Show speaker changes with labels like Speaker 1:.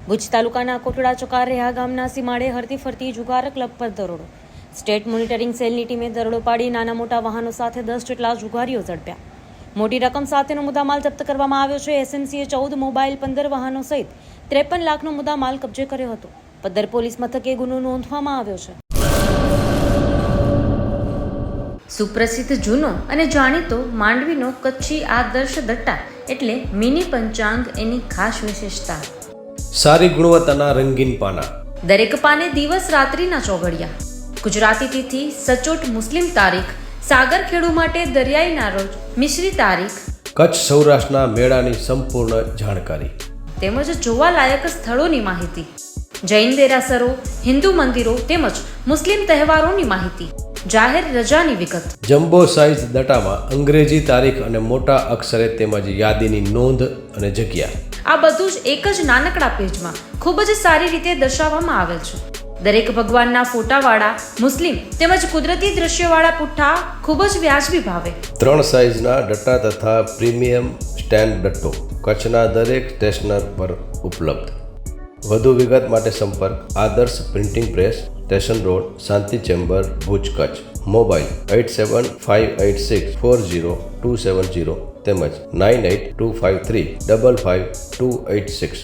Speaker 1: ભુજ તાલુકાના કોટડા ચકારેહા ગામના સીમાડે હરતી ફરતી જુગાર ક્લબ પર દરોડો. સ્ટેટ મોનિટરિંગ સેલની ટીમે દરોડો પાડી નાના મોટા વાહનો સાથે 10 જેટલા જુગારીઓ ઝડપ્યા. મોટી રકમ સાથેનો મુદ્દામાલ જપ્ત કરવામાં આવ્યો છે. એસએમસીએ 14 મોબાઈલ, 15 વાહનો સહિત 53 લાખનો મુદ્દામાલ કબજે કર્યો હતો. પદ્ધર પોલીસ મથકે ગુનો નોંધવામાં આવ્યો છે. સુપ્રસિદ્ધ જૂનો અને જાણીતો માંડવીનો કચ્છી આદર્શ દટ્ટા એટલે મિની પંચાંગ એની ખાસ વિશેષતા.
Speaker 2: સારી ગુણવત્તાના રંગીન પાના,
Speaker 1: દરેક પાને દિવસ રાત્રિના ચોઘડિયા. ગુજરાતી તિથિ, સચોટ મુસ્લિમ તારીખ, સાગર ખેડુ માટે દરિયાઈના રોજ, મિશ્રી તારીખ,
Speaker 2: કચ્છ સૌરાષ્ટ્રના મેળાની સંપૂર્ણ જાણકારી
Speaker 1: તેમજ જોવાલાયક સ્થળોની માહિતી, જૈન દેરાસરો, હિન્દુ મંદિરો તેમજ મુસ્લિમ તહેવારોની માહિતી, જાહેર રજાની વિગત.
Speaker 2: જમ્બો સાઇઝ દટામાં અંગ્રેજી તારીખ અને મોટા અક્ષરે તેમજ યાદીની નોંધ અને જગ્યા.
Speaker 1: આ બધું જ એક જ નાનકડા પેજમાં ખૂબ જ સારી રીતે દર્શાવવામાં આવેલ છે. દરેક ભગવાનના ફોટાવાળા મુસ્લિમ તેમજ કુદરતી દ્રશ્યવાળા પુઠ્ઠા ખૂબ જ વ્યાજબી ભાવે.
Speaker 2: 3 સાઇઝના દટ્ટા તથા પ્રીમિયમ સ્ટેન્ડ દટ્ટો કચ્છના દરેક સ્ટેશનર પર ઉપલબ્ધ. વધુ વિગત માટે સંપર્ક Adarsh printing press, station road, Shanti chamber, Bhuj, Kutch. Mobile 8758640270 તેમજ 9825355286.